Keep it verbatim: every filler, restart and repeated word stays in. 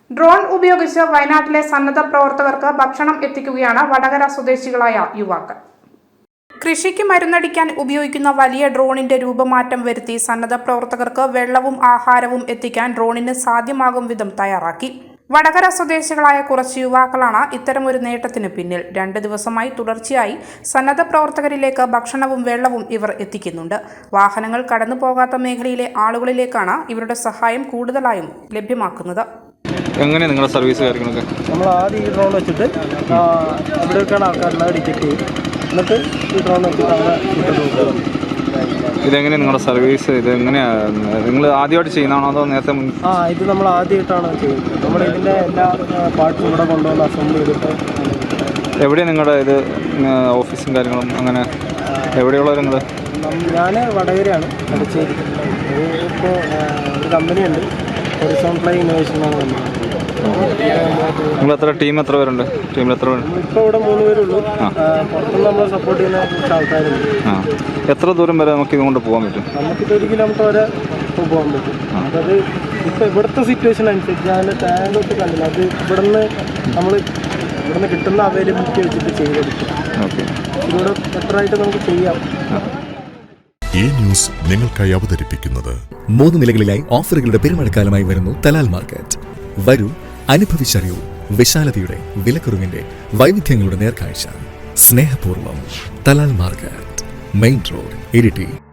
Drone ഉപയോഗിച്ച് വയനാട്ടിലെ സന്നദ്ധ പ്രവർത്തകർക്ക് ഭക്ഷണം എത്തിക്കുകയാണ് വടകര സ്വദേശികളായ യുവാക്കൾ. കൃഷിക്ക് മരുന്നടിക്കാൻ ഉപയോഗിക്കുന്ന വലിയ ഡ്രോണിന്റെ രൂപമാറ്റം വരുത്തി സന്നദ്ധ പ്രവർത്തകർക്ക് വെള്ളവും ആഹാരവും എത്തിക്കാൻ ഡ്രോണിന് സാധ്യമാകും വിധം തയ്യാറാക്കി. വടകര സ്വദേശികളായ കുറച്ച് യുവാക്കളാണ് ഇത്തരമൊരു നേട്ടത്തിന് പിന്നിൽ. രണ്ട് ദിവസമായി തുടർച്ചയായി സന്നദ്ധ പ്രവർത്തകരിലേക്ക് ഭക്ഷണവും വെള്ളവും ഇവർ എത്തിക്കുന്നുണ്ട്. വാഹനങ്ങൾ കടന്നു പോകാത്ത മേഖലയിലെ ആളുകളിലേക്കാണ് ഇവരുടെ സഹായം കൂടുതലായും ലഭ്യമാക്കുന്നത്. എങ്ങനെ നിങ്ങളുടെ സർവീസ് കാര്യങ്ങളൊക്കെ? നമ്മൾ ആദ്യം ഈ ഡ്രോൺ വെച്ചിട്ട് ഇവിടേക്കാണ് ആൾക്കാരുടെ ടിക്കറ്റ് ചെയ്യും, എന്നിട്ട് ഈ ഡ്രോൺ വെച്ചിട്ട് അവിടെ ടിക്കറ്റ് കൊടുക്കും. ഇതെങ്ങനെയാണ് നിങ്ങളുടെ സർവീസ്? ഇത് എങ്ങനെയാണ് നിങ്ങൾ ആദ്യമായിട്ട് ചെയ്യുന്നതാണോ അതോ നേരത്തെ? ആ ഇത് നമ്മൾ ആദ്യമായിട്ടാണ് ചെയ്യുന്നത്. നമ്മൾ ഇതിൻ്റെ എല്ലാ പാർട്സും ഇവിടെ കൊണ്ടുവന്ന് അസംബിൾ ചെയ്തിട്ട്. എവിടെയാണ് നിങ്ങളുടെ ഇത് ഓഫീസും കാര്യങ്ങളും? അങ്ങനെ എവിടെയുള്ളത് നിങ്ങൾ? ഞാൻ വടകരയാണ്, അടച്ചേരി. ഇപ്പോൾ ഒരു കമ്പനിയുണ്ട്, ഹൊറിസോൺ ഫ്ലൈ ഇന്നോവേഷൻ എന്നാണ് വന്നത്. നിങ്ങൾ എത്ര ടീം എത്ര പേരുണ്ട്? ടീമിൽ എത്ര പേരുണ്ട്? ഇപ്പോൾ ഇവിടെ മൂന്ന് പേരുള്ളൂ. പുറത്തുനിന്ന് നമ്മൾ സപ്പോർട്ട് ചെയ്യുന്ന കുറച്ച് ആൾക്കാരുണ്ട്. ആ എത്ര ദൂരം വരെ നമുക്ക് ഇതുകൊണ്ട് പോകാൻ പറ്റും? നമുക്കിത് ഒരു കിലോമീറ്റർ വരെ പോകാൻ പറ്റും. അതത് ഇപ്പോൾ ഇവിടുത്തെ സിറ്റുവേഷൻ അനുസരിച്ച് ഞാൻ ടാങ്കൊക്കെ കണ്ടില്ല. അത് ഇവിടുന്ന് നമ്മൾ ഇവിടുന്ന് കിട്ടുന്ന അവൈലബിലിറ്റി വെച്ചിട്ട് ചെയ്തെടുക്കും. ഓക്കെ, ഇതിലൂടെ ബെറ്ററായിട്ട് നമുക്ക് ചെയ്യാം. ഈ ന്യൂസ് നിങ്ങൾക്കായി അവതരിപ്പിക്കുന്നത് മൂന്ന് നിലകളിലായി ഓഫറുകളുടെ പെരുമഴക്കാലമായി വരുന്നു തലാൽ മാർക്കറ്റ്. വരൂ, അനുഭവിച്ചറിയൂ വിശാലതയുടെ വിലക്കുറവിന്റെ വൈവിധ്യങ്ങളുടെ നേർക്കാഴ്ച. സ്നേഹപൂർവ്വം Talal market, main road, Iritty.